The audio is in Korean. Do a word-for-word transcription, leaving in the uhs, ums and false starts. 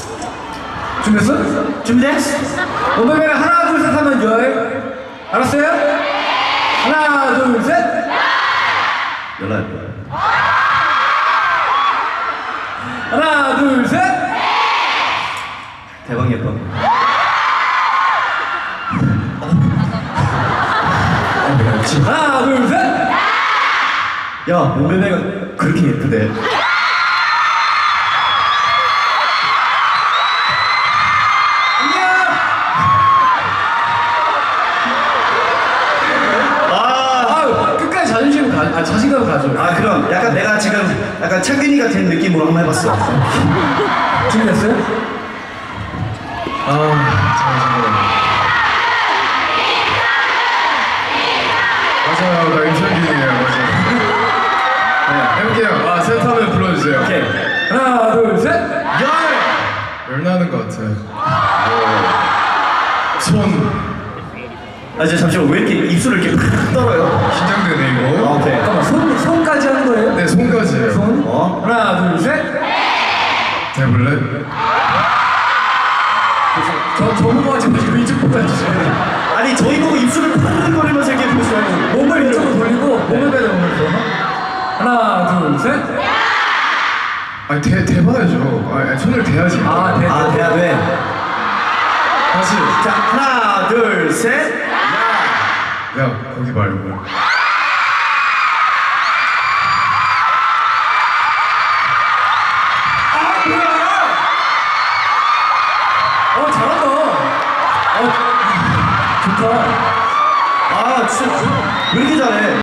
준비됐어? 준비됐어? 원배배가 하나 둘 셋 하면 열. 알았어요? 하나 둘 셋. 연락할 거야. 하나 둘 셋. 대박 예뻐. 하나 둘 셋. 야, 몸매매가 그렇게 예쁘대. 아, 끝까지 자존심 가, 아 자신감 가져. 아, 그럼 약간 내가 지금 약간 창균이가 된 느낌으로 한번 해봤어. 준비됐어요? 아, 잠깐만. 맞아요, 나 임창균이에요, 맞아요. 네, 해볼게요. 아, 셋 하면 불러주세요. 오케이. 하나 둘 셋. 열! 열 나는 것 같아요. 손. 아, 이제 잠시만, 왜 이렇게 입술을 이렇게 팍 떨어요? 긴장되네, 아, 이거. 오케이. 잠깐만 손 손까지 하는 거예요? 네, 손까지예요. 손. 어? 하나 둘 셋. 해볼래? 저 저보고 하지 마시고 이쪽 보고 해주세요. 아니, 저희 보고 입술을 팍거리면서 이렇게 보시면 몸을 이쪽으로 돌리고 몸을 빼는 몸을 하나 둘 셋. 아니, 대, 대봐야죠. 아니, 손을 대야지. 아 대. 아, 돼야 돼. 다시. 자, 하나, 둘, 셋. 야, 거기 말고. 아 뭐야? 어 잘한다. 어 좋다. 아, 진짜 왜 이렇게 잘해?